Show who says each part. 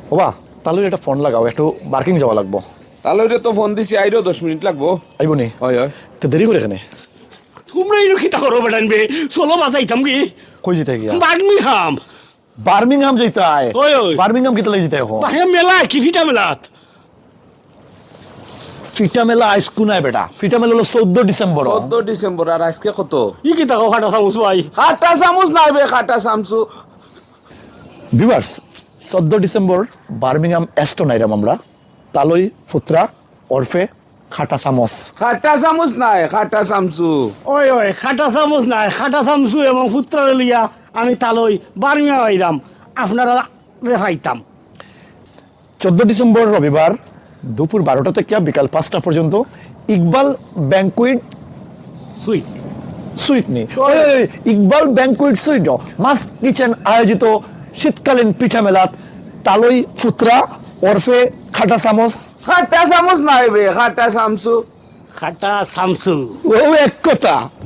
Speaker 1: ওবা তাহলে একটা ফোন লাগাও, একটু বার্কিং যাওয়া লাগবো।
Speaker 2: তাহলে ওইটা তো ফোন দিছি, আইরো 10 মিনিট লাগবো।
Speaker 1: আইব নি?
Speaker 2: হয় হয়।
Speaker 1: তো দেরি করে এখানে
Speaker 3: তোমরা এই খিতা করো বেটানবে, চলো বাজাইতাম কি
Speaker 1: কই যেতে গিয়া?
Speaker 3: বার্মিংহাম।
Speaker 1: বার্মিংহাম যেতায়?
Speaker 3: ওই ওই
Speaker 1: বার্মিংহাম কিতা লাগি যেতে এখন?
Speaker 3: বাহে মেলা কি ফিটা মেলাত?
Speaker 1: ফিটা মেলা আইস কুনায় বেটা, ফিটা মেলা হলো 14 ডিসেম্বর।
Speaker 2: 14 ডিসেম্বর, আর আজকে কত?
Speaker 3: ই কি তাকো খাটা চামচ ভাই?
Speaker 2: খাটা চামচ নাই বে, খাটা চামচু।
Speaker 1: ভিউয়ার্স, 14 ডিসেম্বর বার্মিংহাম এস্টন আইরাম আমরা, তালই ফুত্রা ওরফে খাটা চামচ।
Speaker 2: খাটা চামচ নাই, খাটা চামচু।
Speaker 3: ওই ওই খাটা চামচ নাই, খাটা চামচু এবং ফুত্রারে লিয়া আমি তালই বার্মিংহাম আইরাম, আপনারা রেফাইতাম।
Speaker 1: 14 ডিসেম্বর রবিবার দুপুর 12টা থেকে বিকাল 5টা পর্যন্ত ইকবাল ব্যাংকুয়েট
Speaker 3: সুইট
Speaker 1: সুইট নি ওই, ওই, Iqbal banquet suite must kitchen আয়োজিত শীতকালীন পিঠা মেলাত তালই ফুত্রা ওরফে খাটা চামচ।
Speaker 2: খাটা চামচ নাই বে, খাটা চামচু।
Speaker 3: খাটা চামচু।
Speaker 1: ও এক কথা।